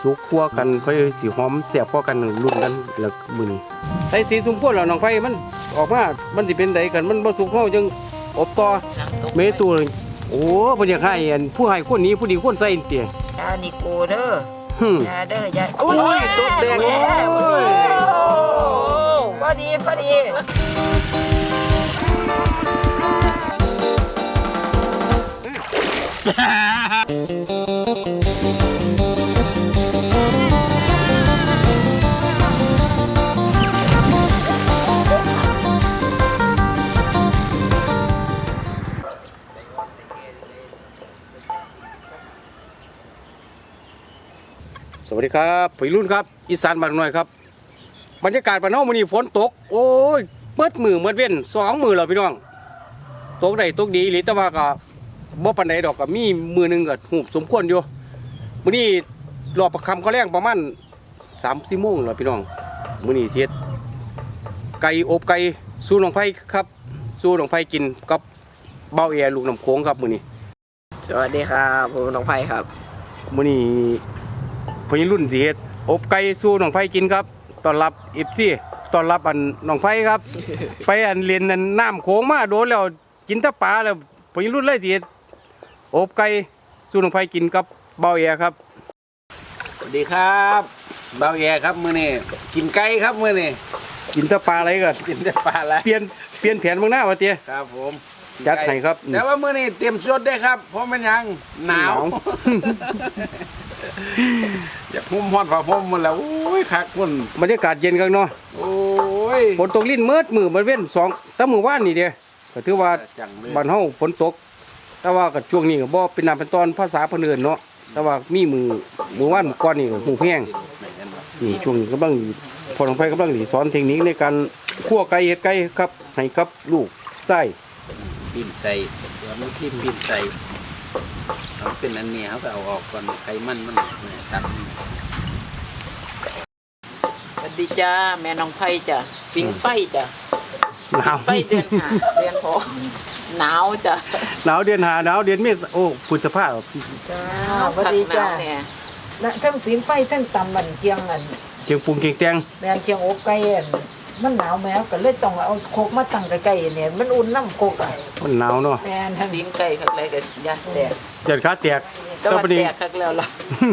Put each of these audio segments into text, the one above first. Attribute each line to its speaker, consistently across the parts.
Speaker 1: สุกกว่ากันค่อยสิหอมแซ่บกว่ากันรุ่นกันแล้วมื้อนี้ใส่สีสุ่มพ่นแล้วน้องไฟมันออกมามันสิเป็นไดกันมันบ่สุกเฮาจังอบต่อเมตูโอ้เพิ่นอยากให้อันผู้ให้คนนี้ผู้ดีคนใส่เตี้ย
Speaker 2: ยานิโกเด้อ ยาเด้อยา
Speaker 1: โอ้ยตบแดงโอ้ย
Speaker 2: พอดีพอดี
Speaker 1: สวัสดีครับพี่รุ่นครับอีสานบ้านน้อยครับบรรยากาศบ้านเฮามื้อนี้ฝนตกโอ้ยเปิดมือเปิดเว้น2มื้อแล้วพี่น้องตกได้ตกดีอีหลีแต่ว่าก็บ่ปานใดดอกก็มีมื้อนึงก็ฮูบสมควรอยู่มื้อนี้รอบประคำเขาแรงประมาณ 3-4 โมงแล้วพี่น้องมื้อนี้เฮ็ดไก่อบไก่สู้น้องไผครับสู้น้องไผกินกับเบ้าแอลูกน้ำโขงครับมื้อนี้
Speaker 2: สวัสดีครับผมน้องไผ่ครับ
Speaker 1: มื้อนี้พี่รุ่นสิเฮ็ดอบไก่สู้น้องไผกินครับต้อนรับ FC ต้อนรับอันน้องไผครับ ไปอันเรียนอันน้ำโขงมาโดนแล้วกินแต่ปลาแล้วพี่รุ่นเลยสิเฮ็ดอบไก่สู้น้องไผกินกับเบ้าแอครับ
Speaker 3: สวัสดีครับเบาแย่ครับมื้อนี้กินไก่ครับมื้อนี้
Speaker 1: กินแต่ปลาอะไรก็
Speaker 3: กินแต่ปลาแล้ว
Speaker 1: เปลี่ยนแผนเบิ่งหน้าว่าเตี้ย
Speaker 3: ครับผม
Speaker 1: จัดให้ครับ
Speaker 3: แต่ว่ามื้อนี้เตรียมสดได้ครับเพราะมันยังหนาว อยากหุ่มฮ้อนผ้าห่มหมันแล้วโอ้ยคักมัน
Speaker 1: บรรยากาศเย็นกันเนาะ
Speaker 3: โอ้ย
Speaker 1: ฝนตกลิ้นมืดมือมันเว้น2แต่มื้อวานนี่เด้ก็ถือว่า
Speaker 3: จังเลย
Speaker 1: บ้านเฮาฝนตก แต่ว่าก็ช่วงนี้ก็บ่เป็นน้ำเป็นตอนภาษาเพิ่นเอิ้นเนาะแต่ว่ามีมื้อวานมื้อก่อนนี่ก็หูแห้งนี่ช่วงนี้กำลังพอลงไปกำลังสอนเทคนิคในการคั่วไก่เฮ็ดไก่ครับให้กับลูกไส้
Speaker 3: ปิ้นใส่ตัวมันที่ปิ้นใส่เอาเป็นอันนี้เขาก็เอาออกก่อนไขมันมันตัด
Speaker 2: สวัสดีจ้าแม่น้องไผ่จ้ะปิงไฟจ้ะ
Speaker 1: หนาว
Speaker 2: ไฟเดือนหาเดือนหกหนาวจ้ะ
Speaker 1: หนาวเดือน5หนาวเดือนเมษโอ้พฤษภาคม
Speaker 4: จ้าสวัสดีจ้า
Speaker 2: หนวเนี่ย
Speaker 4: และทั้งฝีไฟทั้งตำมันเชียงอัน
Speaker 1: เจียงปรุงเจียงแตง
Speaker 4: แมนเชียงอบไก่อันมันหนาวแมวก็เลยต้องเอาโคกมาตั้งใกล้ๆเนี่ยมันอุ่นน้ำโคกอ่ะ
Speaker 1: มันหนาวเนาะ
Speaker 4: แมนทั้ง
Speaker 2: ปิงไก่คักไรกับยาแตก
Speaker 1: จัดขาแตก
Speaker 2: แต่ว่า
Speaker 1: บัดนี้
Speaker 2: แตกคักแล้วล่ะ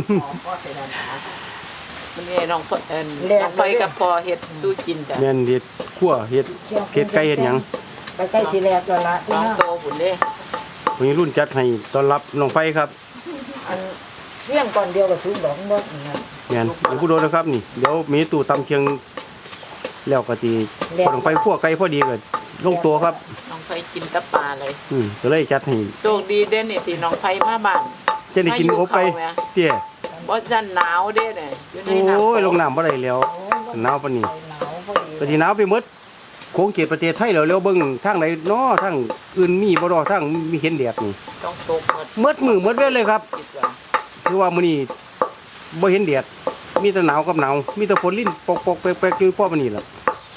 Speaker 2: มันนี่น้องพ่อน้องไผ่กับพอเฮ็ดสู้กินจ้ะ
Speaker 1: แม่นเฮ็ดคั่วเฮ็ดไก่เฮ็ดหยัง
Speaker 4: ใกล้ๆที่แรกแล้วละที่
Speaker 2: น้อง
Speaker 4: น้า
Speaker 2: โตบุญเด้
Speaker 1: วันนี้รุ่นจัดให้ต้อนรับน้องไฟครับ
Speaker 4: อันเรื่องก่อนเดียวกับซื้อดอกบ่นี่ครับ
Speaker 1: แม่นเดี๋ยวผู้โดนนะครับนี่เดี๋ยวมีตู้ตำเชียงแล้วก็สิพอน้องไฟคั่วไก่พอดีก็ลงตัวครับ
Speaker 2: น้องไผ่กินแตะปลาเลย
Speaker 1: ก็เลยจัดให้
Speaker 2: โชคดีเด้นี่ที่น้องไผ่มาบ้าน
Speaker 1: จะได้กินอบไก่เตี้ย
Speaker 2: บ่จันหนาวเด้เนี่ยอยู่ในน้ำ
Speaker 1: โอ้ยลงน้ำบ่ได้แล้วหนาวปานนี้
Speaker 4: หนาวพอดี
Speaker 1: ก็สิหนาวไปหมดโค้งเขตประเทศไทยแล้วเบิ่งทางไหนเนาะทางอื่นมีบ่ดอกทางมีเห็นแดดนี่
Speaker 2: ต้องตกหมด
Speaker 1: หมดมือหมดเว้นเลยครับ
Speaker 2: คิดว่า
Speaker 1: คือว่ามื้อนี้บ่เห็นแดดมีแต่หนาวกับหนาวมีแต่ฝนลิ้นปอกๆแปลกๆอยู่พอมื้อนี้ล่ะ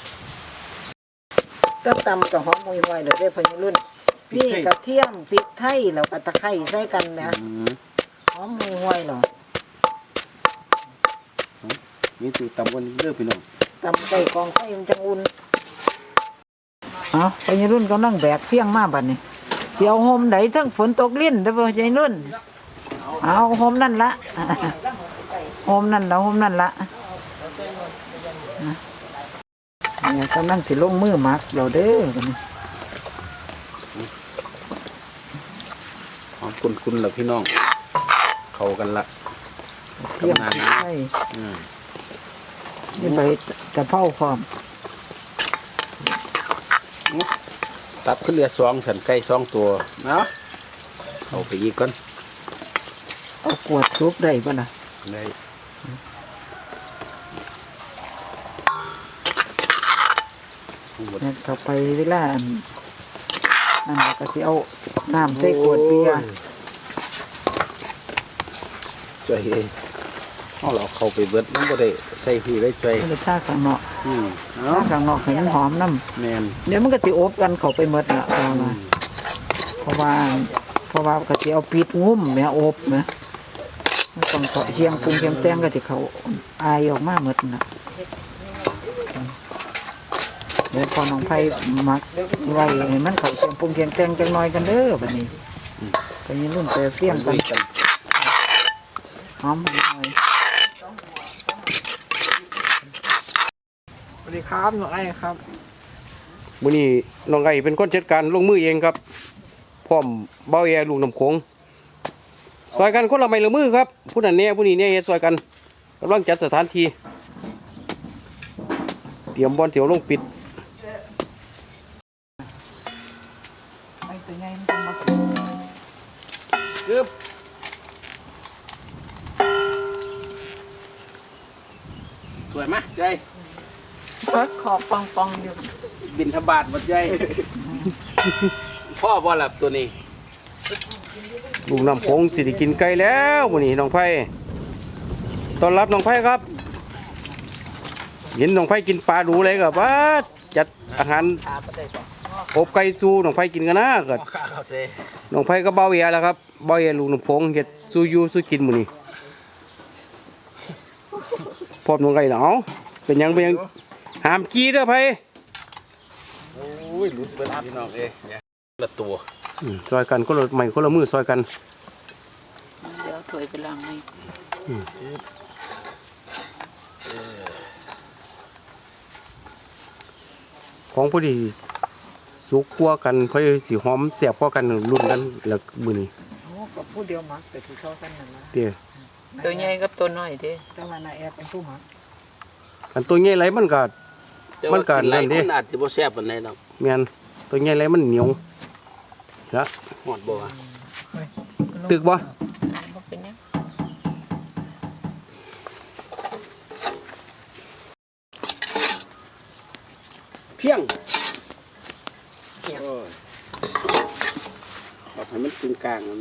Speaker 4: ก็ตำกับหอมห่วยๆเลยเด้อพญรุ่นพี่กระเทียมพริกไทยแล้วก็ตะไคร้ใส่กันนะหอมห่วยๆเนาะ
Speaker 1: มีตู้ตำกันเด้อพี่น้อง
Speaker 4: ตำไก่กองไฟมันจังอุ่นอ๋อพญรุ่นกำลังแบกเพียงมาบัดนี้เดี๋ยวโฮมไหนทั้งฝนตกลิ้นเด้อพญรุ่นเอาโฮมนั่นละโฮมนั่นละโฮมนั่นละเนี่ยกำลังสิลงมือหมักเดี๋ยวเด้อบัดนี้
Speaker 3: หอมคุณๆแล้วพี่น้อง เข้ากันละ
Speaker 4: เพียงพริกไทย
Speaker 3: อืม
Speaker 4: นี่ใบกระเพราพร้อม
Speaker 3: ตับขึ้นเรือ2สันไก่2ตัวเนาะเอาไปอีกก่อน
Speaker 4: เอากวดซุปได้ป่ะนะ
Speaker 3: ได้
Speaker 4: เนี่ยเข้าไปเวลาอันก็สิเอาน้ำใส่ขวดเบียร์
Speaker 3: ช่วยเอาเราเข้าไปเบิดมันบ่ได้ใส่พี่ได้ช่วย
Speaker 4: ก็เลยท่าข้างนอก
Speaker 3: เนาะ
Speaker 4: ท่าข้างนอกให้มันหอมน้
Speaker 3: แม่น
Speaker 4: ำเดี๋ยวมันก็สิอบกันเข้าไปหมดละเอามาเพราะว่าก็สิเอาปิดงุ้มแม่อบนะมันต้องเกาะเชียงปรุงเชียงแตงก็สิเขาอายออกมาหมดน่ะเดี๋ยวพอน้องไผมักไว้ให้มันเขาเชียงปรุงเชียงแตงจังน้อยกันเด้อบัดนี้ไปยินรุ่นไปเฟี้ยงกันหอมหน่อยสวัสดีครับน้องไอ้ครับ
Speaker 1: มื้อนี้น้องไอ้เป็นคนจัดการลงมือเองครับพร้อมเบาแอลูกน้ำโขงซอยกันคนละไม้ละมือครับผู้นั้นเนี่ยผู้นี้เนี่ยเฮ็ดซอยกันกำลังจัดสถานที่เตรียมบอลเสียวลงปิด
Speaker 4: ไม่ตัวใหญ่มันต้องมา
Speaker 3: กึบสวยไหมใจ
Speaker 2: ขอบปองๆอยู่
Speaker 3: บินทบาทหมดใจ พ่อบ่หลับตัวนี้
Speaker 1: ลูกน้ำโขงสิได้กินไก่แล้วมื้อนี้น้องไผ่ต้อนรับน้องไผ่ครับเห็นน้องไผ่กินปลาดูเลยก็ว่าจัดอาหารอบไก่สู้น้องไผ่กินกันนะก็
Speaker 3: ข้าเขาเซ
Speaker 1: น้องไผ่ก็เบาแอแล้วครับเบาแอลูกน้ำโขงเฮ็ดสู้อยู่สู้กินมื้อนี้พร้อมน้องไก่เนาะเป็นหยังห้ามกี้เด้อไผ่
Speaker 3: โอ้ยหลุดเบิดพี่น้องละตัว
Speaker 1: ซอยกันคนละไม้คนละมือซอยกัน
Speaker 2: เดี๋ยวถวยไปล้างนี่
Speaker 1: ของผู้ดีสุกกว่ากันเพื่อสีหอมแสบกว่ากันรุ่นกันแล้วมือนี้
Speaker 4: โอ้กับผู้เดียวมักแต่ที่เขากันนั่นนะ
Speaker 1: เตี้ย
Speaker 2: ตัวใหญ่กับตัวน้อยเด้
Speaker 4: แต่ว่านาแอบเป็นผู้มัก
Speaker 1: อันตัวใหญ่ไรมันก็ มันก็
Speaker 3: หลาย
Speaker 1: นั่นดิ
Speaker 3: คนอาจจะบ่แซ่บปานใดดอก
Speaker 1: แม่นตัวใหญ่ไรมันเหนียวนะ
Speaker 3: หอดบ่ว่า
Speaker 1: ตึกบ่
Speaker 2: บ่เป็นหยัง
Speaker 3: เพียงโอ้ยเอาให้มันกึ่งกลางเอาแม่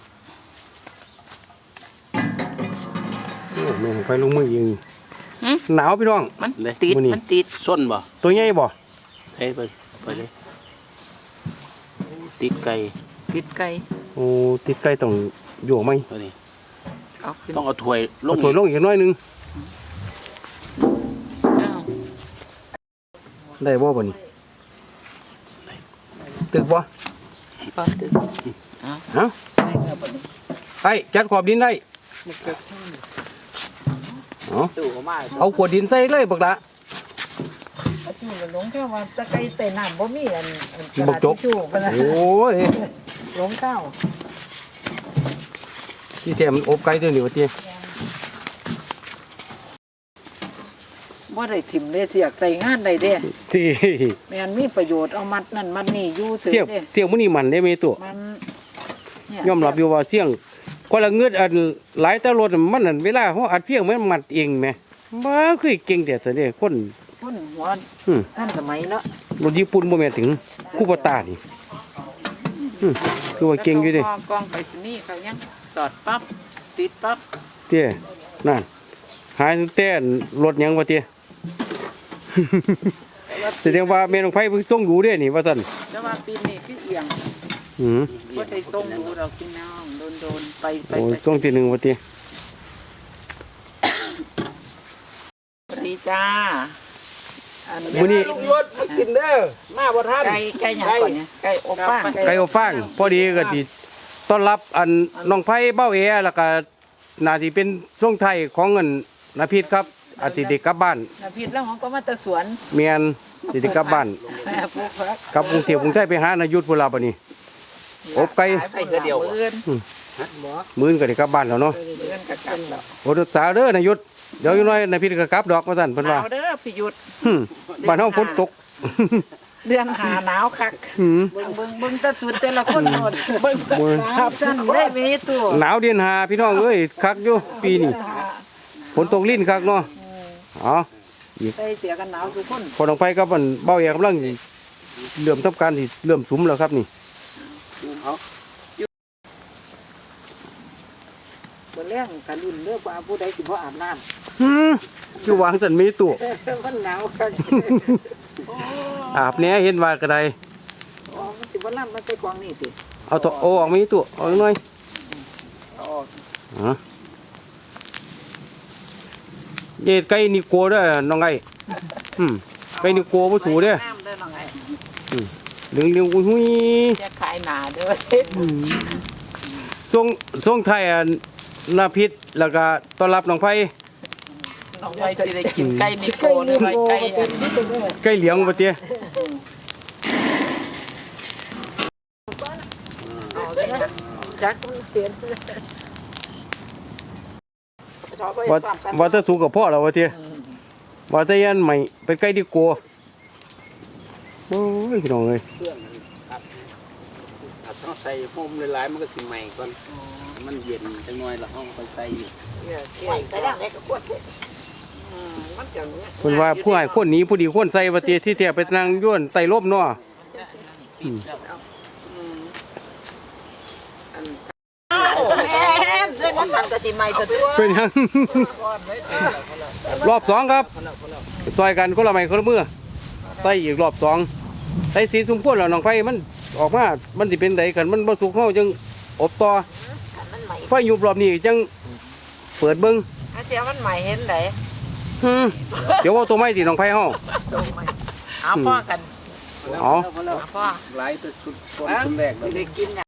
Speaker 1: โอ้แม่งไปลงมือเอง
Speaker 2: หึ
Speaker 1: หนาวพี่น้อง
Speaker 2: มันติด
Speaker 1: มื้อนี้
Speaker 2: มันติด
Speaker 3: ส้นบ่
Speaker 1: ตัวใหญ่บ่
Speaker 3: เทไปเลยติดไก่
Speaker 2: ติดไก่
Speaker 1: โอ้ติดไก่ต้องอยู่ไหม
Speaker 3: ตัวนี้
Speaker 2: เอาขึ้น
Speaker 3: ต้องเอาถ้วยล
Speaker 1: เอา
Speaker 3: ง
Speaker 1: ถอยลงอีกหน้อยหนึง
Speaker 2: อ้าว
Speaker 1: ได้บ่บ่นี่ตึกบ่
Speaker 2: ปอตึกเอา
Speaker 1: ฮะ
Speaker 2: ได้แล้วบัดนี้
Speaker 1: ไอ้จัดขอบดินได้เอา
Speaker 3: ตู้ก็มา
Speaker 1: เอาขวดดินใส่เลยบักละ
Speaker 4: อาจูหลงแค่ว่าตะไคร้ใส่น้ำบ่มีอันกระ
Speaker 1: บั
Speaker 4: ดาก ษ
Speaker 1: จก
Speaker 4: ทิชชู่กันนะ
Speaker 1: โอ้ย
Speaker 4: หลงข้าว
Speaker 1: ที่แท้มันอบไก่ตัวนี้ว่าติ
Speaker 4: บ่ได้ถิ่มเลยเสียกใส่งานได้เด้
Speaker 1: ที่
Speaker 4: แม่นมีประโยชน์เอามัดนั่นมัดนี่อยู่ซื่อ
Speaker 1: เสี่ยง
Speaker 4: เด้
Speaker 1: เสี่ยงมื้อนี้มันได้ไหมตัว
Speaker 4: มันเนี่
Speaker 1: ยอมรับอยู่ว่าเสี่ยงคนละเงือดอันหลายแต่รถมันนั่นเวลาเฮาอัดเพียงมันมัดเองแหมบ่คือเก่งแต่ซะเด้คน
Speaker 4: คนหัว
Speaker 1: อืม
Speaker 4: ท่านสมัยเนาะ
Speaker 1: รถญี่ปุ่นบ่แม่นถึงคูปตานี่คือว่าเก่งอยู่เด้
Speaker 2: แล้วก็กองไปสนี่เขายังสอดปั๊บติดปั๊บ
Speaker 1: เตี้ยนั่นหายแต่รถหยังว่าเตี้ย แสดงว่าแม่นของไผเพิ่งส่งดูเด้นี่ว่าซั่น
Speaker 2: แต่ว่าปีนี้คือเอียง
Speaker 1: อือ
Speaker 2: บ่ได้ส่งดูดอกพี่น้องโดนๆไป
Speaker 1: โอ้ยส่งทีหนึงว่าเตี้ย
Speaker 2: สวัสดีจ้า
Speaker 4: อัน
Speaker 1: มื้อนี้
Speaker 3: ลุงยศมากินเด้อมาบ่ทัน
Speaker 2: ไก่หยังก่อนเนี่ยไก่อบฟาง
Speaker 1: ไก่อบฟางพอดีก็สิต้อนรับอันน้องไผเบ้าแอแล้วก็น่าสิเป็นช่วงไทายของเงินนาพิษครับอาทิตย์เด็กกลับบ้าน
Speaker 4: น่ะผิดแล้วของก็มาแตะสวน
Speaker 1: เมียนสิได้กลับบ้าน
Speaker 4: แม่ปลูกผัก
Speaker 1: กลับกรุงเทพกรุงไทยไปหานายุทธพุ่นล่ะบัดนี้ อบไก่
Speaker 2: ขายไปเดียวมื้อน
Speaker 1: มื้อนก็ได้กลับบ้านแล้วเนาะ
Speaker 2: มื้อนกับกันแล้ว
Speaker 1: โอ้รักษาเด้อนายุทธเดี๋ยวอยู่น้อยนาพิษก็กลับดอกว่าซั่นเพิ่นว่า
Speaker 2: เอาเด้อพี่ยุทธ
Speaker 1: บ้านเฮาฝนตก
Speaker 4: เดือนหาหนาวคัก
Speaker 1: หืม
Speaker 4: เบิ่งแตะสุดแต่ละคนโหดเบิ่ง
Speaker 1: โอ้ย
Speaker 4: ครับซั่นได้มีตัว
Speaker 1: หนาวเดือนหาพี่น้องเอ้ยคักอยู่ปีนี้ฝนตกลิ้นคักเนาะอ๋อ
Speaker 4: ใส่เสียกันหนาวทุกคน
Speaker 1: พอน้องไผกับมันเบ้าแอกกำลังสิเริ่มทำการสิเริ่มสุมแล้วครับนี่
Speaker 3: เอา
Speaker 4: บ่แรงกันรุ่นเด้อว่าผู้ใดสิบ่อาบน้ำ
Speaker 1: คือวางสันมีตัว
Speaker 4: มันหนาวคัก
Speaker 1: อาบแหน่เห็นว่าก็ได้
Speaker 4: อ๋อมันสิบ่ล่ำมันใส่กวางนี่ติ
Speaker 1: เอาตัวโอออกมีตัวเอาหน่อย
Speaker 4: เอาออก
Speaker 1: อ๋อเย็ดไก่นิโก้เด้อน้องไอ้ไก่นิโก้บ่สูเด้อ
Speaker 2: น้ำเด้อน้องไอ้
Speaker 1: เหลืองๆหุ้ย
Speaker 2: จะขายหนาเด้อ
Speaker 1: ส่งไทยนาพิษแล้วก็ต้อนรับน้องไผ
Speaker 2: น้องไว้สิได้กินไก่นิโก้หรือว่าไก่อัน
Speaker 1: ไก่เหลียงบ่เตี้ย
Speaker 2: เอาได้นะจักมันเปลี่ยนชอบไป
Speaker 1: ว่า
Speaker 2: ความกัน
Speaker 1: ว่าถ้าสูงกับพ่อแล้วว่าเตี้ยว่าถ้ายันใหม่เป็นไก่นิโก้โอ้ยพี่น้องเอ้ย
Speaker 3: เครื่องครับถ้าต้องใส่โฮมหลายๆมันก็สิใหม่ก่อนมันเย็นจังหน่อยแล้วห้องค่อยใส่อีก
Speaker 2: เนี่ยไหวไปได้ไหนก็ควรมันจังเนี้ย
Speaker 1: เพิ่นว่าผู้ให้คนหนี้ผู้ดีคนใส่ว่าเตี้ยที่แท้ไปนั่งย้วนไต่ลมเนาะ
Speaker 2: โอ้แม่เส้นมันก็สิใหม่ซะตัว
Speaker 1: เป็นหยัง รอบสองครับซอยกันคนละไม้คนละมือใส่อีกรอบสองใส่สีสุ่มพ่นแล้วน้องไฟมันออกมามันสิเป็นไดกันมันบ่สุกเฮาจังอบต่อ
Speaker 2: มันใหม่
Speaker 1: ไฟอยู่รอบนี้จังเปิดเบิ่ง
Speaker 2: อาเจียมันใหม่เห็นไหน
Speaker 1: เดี๋ยวว่าตัวไม้สิน้องไฟเฮา
Speaker 2: เอาพ่อกัน
Speaker 1: เอา
Speaker 2: เอาพ่อ
Speaker 3: หลายตัวชุดต้นชุดแรกเลย
Speaker 2: ได้กินเนี่ย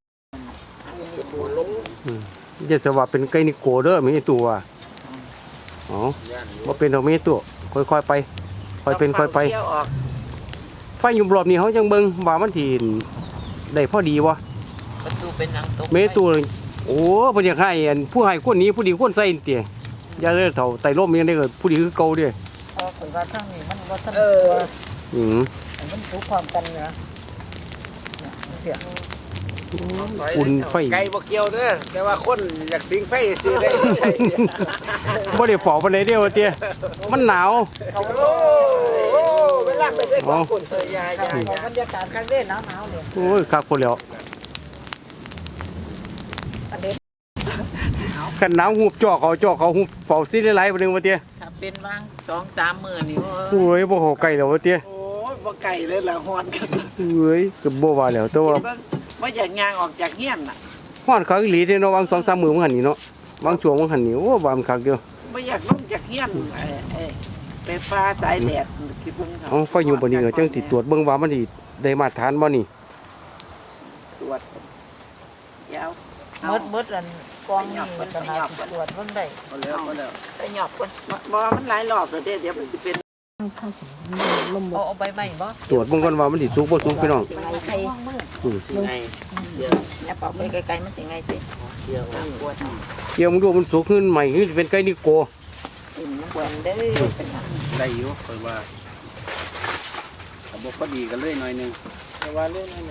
Speaker 1: อย่าสว่าเป็นไก่นิโก้เด้อมีตัวอ๋อบ่เป็นดอกมีตัวค่อยๆไปค่อยเป็นค่อยไป
Speaker 2: เที่ยวออก
Speaker 1: ไฟอยู่รอบนี้เฮาจังเบิ่งว่ามันสิได้พอดีบ่
Speaker 2: ประตูเป็นหนังตก
Speaker 1: เมตัวเลยโอ้เพิ่นอยากให้อันผู้ให้คนนี้ผู้ดีคนใส่เตี้ยอย่าเลยเฒ่าไต่ร่มยังได้ก็ผู้ดีคือเก่าเด้
Speaker 4: พอข่อยว่าทางนี้มันบ่ทัน
Speaker 2: เออ
Speaker 1: อืม
Speaker 4: มันถูกความกันเนาะเนี่ย
Speaker 1: อุ่นไฟ
Speaker 3: ไก่บ่เกี่ยวเด้อแต่ว่าคนอยากสิงไฟซื้อได้ใช่
Speaker 1: บ่ได้เฝ้าปานใดเด้อว่าเตี้ยมันหนาว
Speaker 2: โอ้เวลาไปได้ของคนเตยยาย
Speaker 4: เอาบรรยากาศข้างเด้หนาวๆเนี่ย
Speaker 1: โอ้ยคักพุ่นแล้ว
Speaker 4: อันนี้
Speaker 1: กันหนาวหูบจอกเขาหูบเฝ้าสิได้หลายบ่นึงว่าเตี้ย
Speaker 2: ถ้าเป็นว่าง2-3 มื้อนี่
Speaker 1: โอ้ยบ่เข้าใกล้แล้วว่าเตี้ย
Speaker 2: โอ้ยบ่ไก่เลยล่ะฮอนกัน
Speaker 1: เอ้ยก็บ่ว่าแล้วแต่ว่า
Speaker 2: บ่อยากย่างออกจากเฮียนน่ะ
Speaker 1: ฮ้อนคักอีหลีเด้เนาะวาง 2-3 มื้อมันหั่นนี่เนาะวางช่วงมันหั่นนี่โอ้ว่ามันคักเด้อ
Speaker 2: บ่อยากลงจากเฮียนไปฟ้าสายแดดคิดเบิ่ง
Speaker 1: เอาไฟอยู่บ่นี่ก็จังสิตรวจเบิ่งว่ามันสิได้มาตรฐานบ่นี่
Speaker 2: ตรวจยาว
Speaker 4: หมดอันกองนี่ขนาดตรวจเพิ่นได้
Speaker 3: พอแล้วพอแล้ว
Speaker 2: ไปหยอบก่อนบ่มันหลายรอบแล้วเด้เดี๋ยวมันสิเป็นเอาใบไม้บ่
Speaker 1: ตรวจเบิ่งก่อนว่ามันสิสุกบ่สุกพี่น้อง
Speaker 2: ใคร
Speaker 3: ไงเดี๋ยว
Speaker 2: เนี่ยเป่าไปไกลๆมันสิไงสิ
Speaker 3: เดี๋ยว
Speaker 2: ปวด
Speaker 1: เกี่ยวมึงดูมันสุกขึ้นใหม่ขึ้นเป็นไก่นิโก้
Speaker 2: กินมันปวดเด้อเป็นหยัง
Speaker 3: ได้อยู่ค่อยว่าถ้าบ่พอดีก็เลยหน่อยนึงแต่ว่าเรื่องนั้น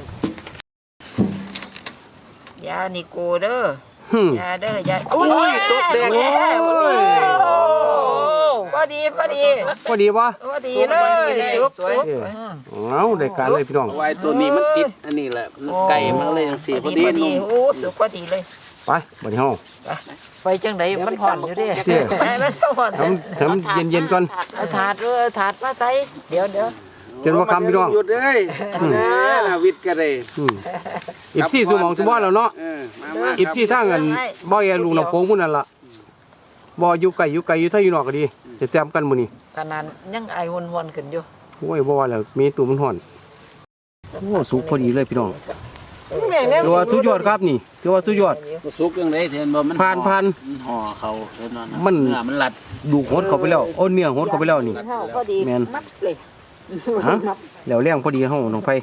Speaker 2: ยานิโกเด้อ
Speaker 1: หึ
Speaker 2: ยาเด้อยาอุ้ยตกแดง
Speaker 1: โอ้ย
Speaker 2: พอดีพอดี
Speaker 1: พอดีปะ
Speaker 2: พอดีเลยสุกสุก
Speaker 1: เอาได้การเลยพี่น้อง
Speaker 3: เอาไว้ตัวนี้มันติดอันนี้แหละไก่มันเลยจังซี่พอดี
Speaker 2: พอดี
Speaker 3: นุ่ม
Speaker 2: โอ้สุกพอดีเลย
Speaker 1: ไปบัดนี้เฮา
Speaker 4: ไปจังไดมันผ่อนอยู่เด้
Speaker 1: เจ้
Speaker 2: ไปมันผ่อน
Speaker 1: ทำเย็นๆก่อน
Speaker 2: เอาถาดถาดมาใส่เดี๋ยว
Speaker 1: จนว่าคำพี่น้อง
Speaker 3: หยุดเอ้ยน่ะวิทย์ก็ได้
Speaker 1: อีบซี่สมองสมบัติแล้วเนาะ
Speaker 3: มา
Speaker 1: อีบซี่ทางกันบ่อยลูกน้ำโป่งพุ่นนั่นล่ะบ่อยู่ไกลอยู่ถ้าอยู่นอกก็ดีจะแจมกันมื้อนี้
Speaker 4: ขนาดยังไอวนๆขึ้นอยู่
Speaker 1: โอ้ยบ่ว่าแล้วมีตัวมันฮ้อนโอ้สุกพอดีเลยพี่น้องถือว่าสุดยอดครับนี่ถือว่าสุดยอด
Speaker 3: สุกจังได๋เห็นบ่มัน
Speaker 1: ผ่าน
Speaker 3: ห่อเขาเห็นบ่
Speaker 1: มัน
Speaker 3: เนื้อมันหลัด
Speaker 1: ดูหดเข้าไปแล้วโอ้เนื้อหดเข้าไปแล้วนี่
Speaker 2: เท่าพอดี
Speaker 1: แม่น
Speaker 2: มัดเลย
Speaker 1: ฮะแล้วแรงพอดีเฮาน้องไผ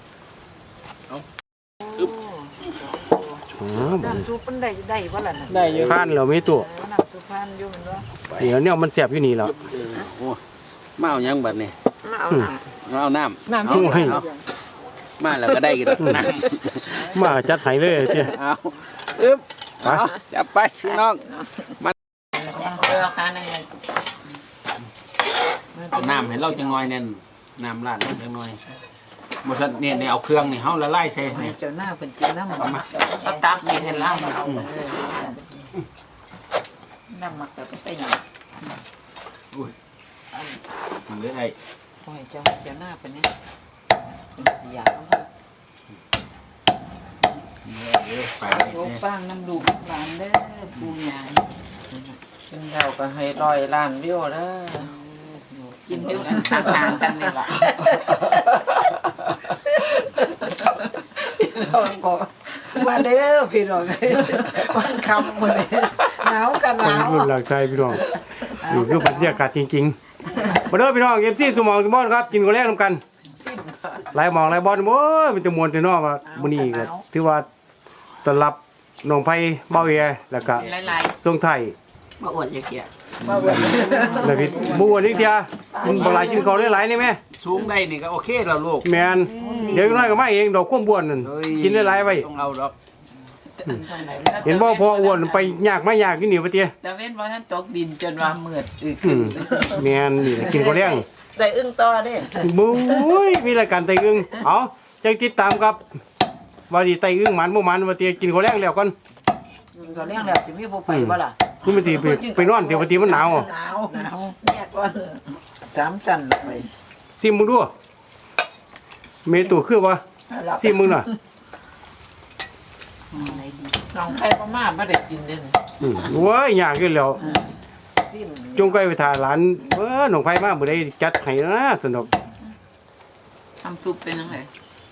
Speaker 1: อ๋อบ่
Speaker 4: น้ำซุปมันได้บ่ล่ะน่ะ
Speaker 3: ได้อยู่
Speaker 1: ผ่านแล้วมีตัว
Speaker 4: น้ำซุปพันอยู่มันว่า
Speaker 1: เดี๋ยวเนี่ยมันแสบอยู่นี่แล้ว
Speaker 3: โอ้มาเอาหยังบัดนี้
Speaker 2: มาเอาน้ำ
Speaker 3: มาเอาน้ำ
Speaker 4: น้ำ
Speaker 3: เอา
Speaker 1: ให้
Speaker 3: เอามาแล้วก็ได้กินน้ำ
Speaker 1: มาจัดให้เลยเจ้
Speaker 3: เอาอึ๊บเอาจับไปพี่น้อง
Speaker 2: ค่ะนั่นเลย
Speaker 3: เอาน้ำให้เราจังหน่อยเนี่ยน้ำราดจังหน่อยบ่ซั่นเนี่ยเอาเครื่องนี่เฮาละลายใส่นี่
Speaker 4: เจ้าหน้าเพิ่นกินน้ำมันมา
Speaker 2: เอาตักนี่ให้ล้างน้ำหมักแต่ก็ใส่หยัง
Speaker 3: มันเลยไอ้
Speaker 4: โอ้ยเจ้าหน้าเป็นเนี่ยอยาก
Speaker 3: ไป
Speaker 2: โยกฟางน้ำดูกหลานเด้อปูใหญ่กินแล้วก็ให้100 ล้านวิวเด้อกินอยู่ห่างๆกันนี่ล่ะ
Speaker 4: พี่น้องก็มาเด้อพี่น้องวันคำมื้อนี้หนาวกันห
Speaker 1: วัย
Speaker 4: นาว
Speaker 1: รุ่นหลักใจพี่น้องนี่คือบรรยากาศจริงๆมาเด้อพี่น้องFCสมองสมบอนครับกินข้าวแลงนํกันหลายหมองหลายบอลโอ้ยมันจะม่วนแต่เนาะว่ามื้อนี้ก็ถือว่าต้อนรับน้องไผเบาเอแล้วก็
Speaker 2: หลาย
Speaker 1: ส่งไทย
Speaker 2: ๆบ่อวดอย่าเกลียด
Speaker 1: แล้วพี่บ่อ้วนอีกเที่ยกินบ่หลายกินข้าวหลายๆนี่แม่
Speaker 3: สูงได้นี่ก็โอเคแล้วลูก
Speaker 1: แม่นเดี๋ยวน้อยก็มาเองดอกความบ้วนนั่น
Speaker 3: เฮ้ย
Speaker 1: กินหลายๆไว้
Speaker 3: ต้องเอาดอก
Speaker 1: เห็นบ่พออ้วนไปยากมายากอยู่นี่ว่าเตี้ย
Speaker 2: แต่เว้นบ่ทันตกดินจนว่ามืดอึก
Speaker 1: อืมแม่นนี่แหละกินข้าวแลง
Speaker 2: ได้อึ้งต่อเด้
Speaker 1: บุ้ยมีรายการไตอึ้งเอาจังติดตามครับว่าสิไตอึ้งหมันบ่หมันว่าเตี้ยกินข้าวแลงแล้วก่อน
Speaker 4: ก็เลี้ยงแล้วสิมีผู้ไปบ่ล่ะ
Speaker 1: นี่มันสิไปนอนเดี๋ยวปกติมันหนาว
Speaker 4: หนาวแยกก่อน3ชั้นไป
Speaker 1: ซิมมึงดูเมตูคือว่าซิมมึงน่ะ
Speaker 2: น้องไผบ่มาบ่ได้กินเด้อ
Speaker 1: โว้ยยากอยู่แล้วจงไกไปถ่ายหลานน้องไผมาบ่ได้จัดให้นะสนุก
Speaker 2: ทำซุปเป็นจังได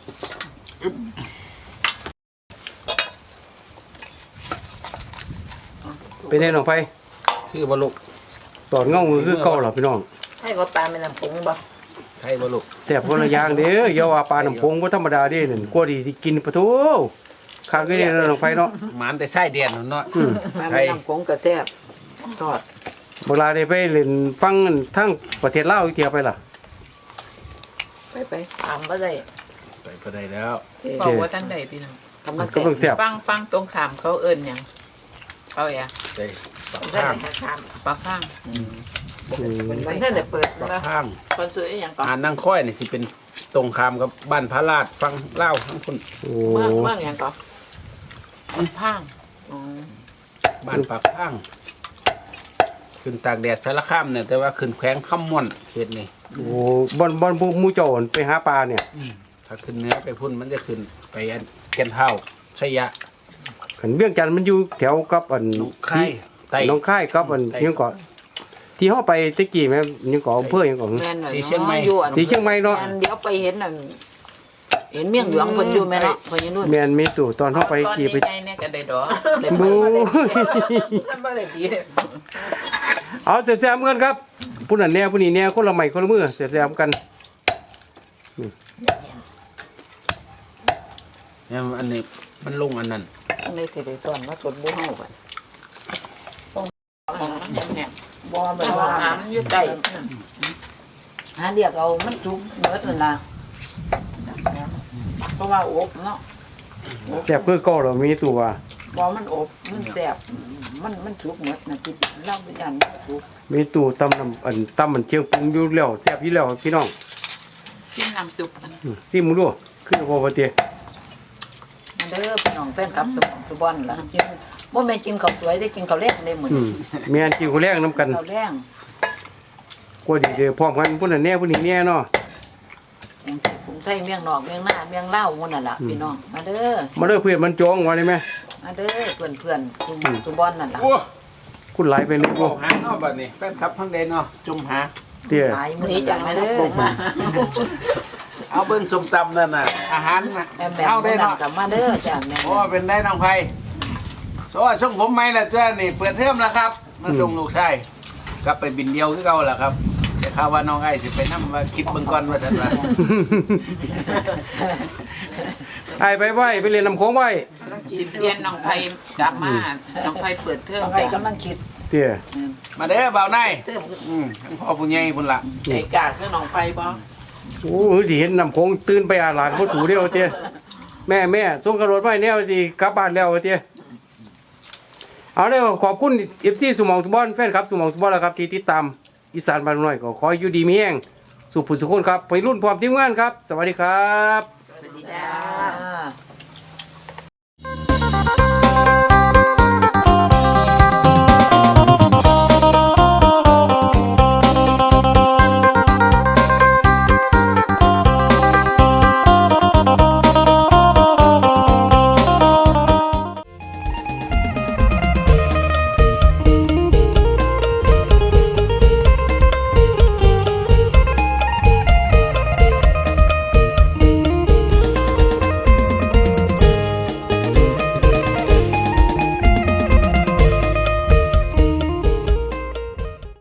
Speaker 1: เป็นไงน้องไผ
Speaker 3: คือบ่ลูก
Speaker 1: ตอนเงามือคือเก่าเหรอพี่น้อง
Speaker 4: ให้ก็ปลาแม่น้ำผงบ่
Speaker 3: ไทยบ่ลูก
Speaker 1: แซ่บคนละอย่างเด้ออย่าว่าปลาน้ำพงบ่ธรรมดาเด้นั่นกว่าที่กินปะโถขาดก็ได้น้องไผเนาะ
Speaker 3: หมานแต่ไส้เดียนนั่นเนาะ
Speaker 4: ปลาแม่น้ำผงก็แซ่บทอด
Speaker 1: เวลาได้ไปเล่นฟังทั้งประเทศลาวอีกเที่ยวไปล่ะ
Speaker 4: ไปถามบ่ได้
Speaker 3: ไปก็ได้แล้ว
Speaker 2: บอกว่าทันใดพี่น้อง
Speaker 4: กำลัง
Speaker 1: ก็เพิ่งแซ่บ
Speaker 2: ฟังตรงขามเขาเอิ้นหยังเขาแอะ
Speaker 3: ไปปัก
Speaker 4: ได้
Speaker 3: ข้าง
Speaker 4: ถาม
Speaker 2: ปากข้าง
Speaker 4: มันได้แต่เปิด
Speaker 3: ปัก
Speaker 4: นะ
Speaker 3: ข้าง
Speaker 2: คนซื้ออีหยังก่อน
Speaker 3: อ่านนั่งค่อยนี่สิเป็นตรงข้ามกับบ้านพระราชฟังเล่าวทั้งคน
Speaker 1: โอ้
Speaker 2: เมืองหยังก่อนมันพางอ๋อ
Speaker 3: บ้านปากข้าง ขึ้นตากแดดสารคามเนี่ยแต่ว่าขึ้นแขวงคำม่วนเขตนี่
Speaker 1: โอ้บอนหมู่เจ้าอั่นไปหาปลาเนี่ย
Speaker 3: ถ้าขึ้นเหนื้อไปพุ่นมันจะขึ้นไปอันแก่นเท่าชัยยะ
Speaker 1: ขันเวียงจันทน์มันอยู่แถวกับอัน
Speaker 3: หนองคายไต่
Speaker 1: หน้องค่ายกับอัน
Speaker 3: ไต่
Speaker 1: ยังก่อนที่เฮาไปตะกี้แม่ยังก่ออำเภอยังก่อน
Speaker 4: แม่นน่ะ
Speaker 3: สีเชียงใหม่
Speaker 4: อยู่อัน
Speaker 1: สีเชียงใหม่เนาะ
Speaker 4: แม่นเดี๋ยวไปเห็นน่ะเห็นเมี่ยงหลวงเพิ่นอยู่แม่เนาะเพิ่นอยู่นู่น
Speaker 1: แม่นมีตู่ตอนเฮาไป
Speaker 2: ตอน
Speaker 1: ขี่
Speaker 2: นี้
Speaker 1: ไป
Speaker 2: ใหญ่เนี่ยก็ได้ดอก
Speaker 1: บู
Speaker 4: บ่ได้ดี
Speaker 1: เอาแซ่บๆกันครับผู้นั้นแน่ผู้นี้แน่คนละไม้คนละมือแซ่บๆกัน
Speaker 3: เนี่ยอันนี้มันลงอันนั้น
Speaker 4: ในสิได้สอนมาสดบ่เฮาบัด
Speaker 2: แห้ง
Speaker 4: บ่
Speaker 2: ๆ
Speaker 4: มัน
Speaker 2: เพราะ
Speaker 4: ว่า
Speaker 2: ว่าหามันอยู่ใกล้
Speaker 4: หาเรียกเอามันสุกเบิดนั่นล่ะเพราะว่าอบเนาะ
Speaker 1: แซ่บคือเก่าแล้วมีตู่ว่า
Speaker 4: บ่มันอบมันแซ่บมันสุกหมดน่ะที่เล่าไปยันสุก
Speaker 1: มีตู่ตำน้ำอันตำมันเชียงปรุงอยู่แล้วแซ่บอยู่แล้วพี่น้อง
Speaker 2: กินน้ำซุปกัน
Speaker 1: ซิมมึงดูคือบ่บ่เตี้ย
Speaker 4: มันเด้อพี่น้องแฟนคลับสุบอนล่ะกินบ่แม่นกินข้าวสวยได้กินข้าวแลงได้มื้อ
Speaker 1: อื
Speaker 4: นี้
Speaker 1: มแม่นกินข้าวแลงนํกัน
Speaker 4: ข้าวแลง
Speaker 1: กว่าดีเด้อพร้อมกันผู้นั้นแน่ผู้นี้แน่เนาะ
Speaker 4: กรุงไทยเมียงนอกเมียงหน้าเมียงลาวหมื้นั่นล่ะพี่น้องมาเด้อ
Speaker 1: มาเด้อเพื่อนมันจองว่าได้ไหม
Speaker 4: มาเด้อเพื่อนสุบอนนั่นล่ะ
Speaker 3: โอ้
Speaker 1: คุณหลายไปลูก
Speaker 3: โหหาเนาะบัดนี้แฟนคลับทั้งเดนเนาะจุ่มหา
Speaker 1: เตี้ย
Speaker 4: หลายมื้อนี้จังมาเด้อมา
Speaker 3: เอาเบิ่งส้มตำนั่นน่ะอาหารน่ะ
Speaker 4: แม่แม่
Speaker 3: เอาได้
Speaker 4: นั่
Speaker 3: เนาะ
Speaker 4: นก็มาเด้อจ้ะแม่
Speaker 3: โอ้เป็นได้น้องไผ่โซ่ส่งผมไหมล่ะเจ้านี่เปิดเทอมแล้วครับ มาส่งลูกชายกลับไปบินเดียวคือเก่าล่ะครับแต่ข่าวว่าน้องไอ้สิไปนำว่าคิดเบิ่งก่อนว่าซั่นว่า
Speaker 1: ไอ้ไปไหวไปเรียนลำโค้งไหว
Speaker 2: สิเปลี่ยนน้องไผกลับมาน้องไผเปิดเทอม
Speaker 4: ต้องให้กำลังคิด
Speaker 1: เตี้ย
Speaker 3: มาเด้อบ่าวนายทั้งพ่อผู้ใหญ่พุ่นล่ะ
Speaker 2: ใจกล้าคือน้องไผบ่
Speaker 1: โอ้โหสิเห็นลำโค้งตื่นไปอาหลานพ่อถูเดียวเตี้ยแม่ส่งกระโดดไว้แนวสิกลับบ้านแล้วเตี้ยเอาเด้อขอบคุณ FC สมองสุบอนแฟนครับสมองสุบอนแล้วครับที่ติดตามอีสานบ้านน้อยก็ขอให้อยู่ดีมีแห้งสุขผู้สุขคนครับไปรุ่นพร้อมทีมงานครับ สวัสดีครับ
Speaker 2: สวัสดีจ้า
Speaker 4: อ่า